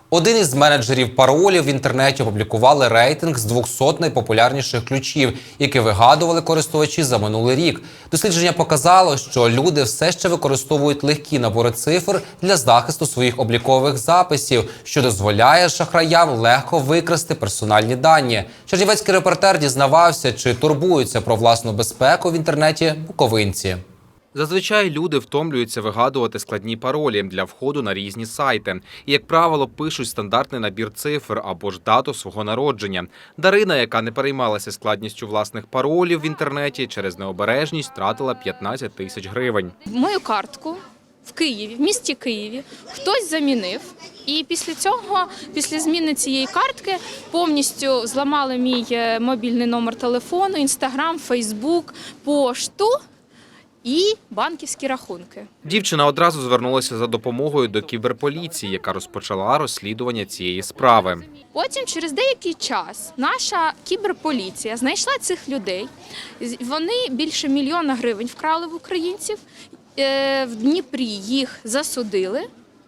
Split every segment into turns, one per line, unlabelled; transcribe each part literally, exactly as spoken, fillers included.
Один із менеджерів паролів в інтернеті опублікували рейтинг з двохсот найпопулярніших ключів, які вигадували користувачі за минулий рік. Дослідження показало, що люди все ще використовують легкі набори цифр для захисту своїх облікових записів, що дозволяє шахраям легко викрасти персональні дані. Чернівецький репортер дізнавався, чи турбуються про власну безпеку в інтернеті буковинці. Зазвичай люди втомлюються вигадувати складні паролі для входу на різні сайти. І, як правило, пишуть стандартний набір цифр або ж дату свого народження. Дарина, яка не переймалася складністю власних паролів в інтернеті, через необережність втратила п'ятнадцять тисяч гривень.
Мою картку в Києві, в місті Києві, хтось замінив. І після цього, після зміни цієї картки, повністю зламали мій мобільний номер телефону, інстаграм, фейсбук, пошту і банківські рахунки.
Дівчина одразу звернулася за допомогою до кіберполіції, яка розпочала розслідування цієї справи.
Потім, через деякий час, наша кіберполіція знайшла цих людей. Вони більше мільйона гривень вкрали в українців. В Дніпрі їх засудили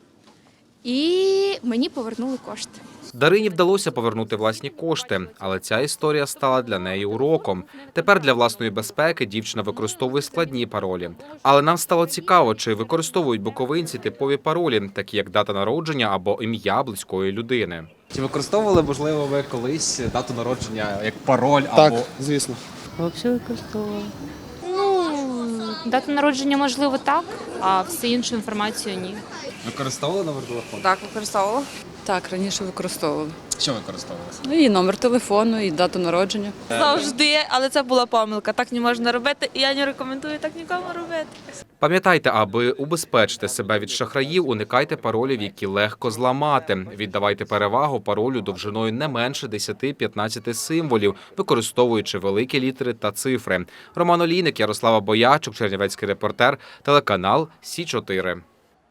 і мені повернули кошти.
Дарині вдалося повернути власні кошти, але ця історія стала для неї уроком. Тепер для власної безпеки дівчина використовує складні паролі. Але нам стало цікаво, чи використовують буковинці типові паролі, такі як дата народження або ім'я близької людини.
Чи використовували, можливо, ви колись дату народження як пароль
Так,
або…
звісно.
Взагалі використовувала. Ну, дата народження, можливо, так, а всю іншу інформацію ні.
Використовували номер телефону?
Так, використовувала.
Так, раніше використовували.
Що використовували?
Ну, і номер телефону, і дату народження.
Завжди, але це була помилка. Так не можна робити, і я не рекомендую так нікому робити.
Пам'ятайте, аби убезпечити себе від шахраїв, уникайте паролів, які легко зламати. Віддавайте перевагу паролю довжиною не менше десяти-п'ятнадцяти символів, використовуючи великі літери та цифри. Роман Олійник, Ярослава Боячук, Чернівецький репортер, телеканал Сі чотири.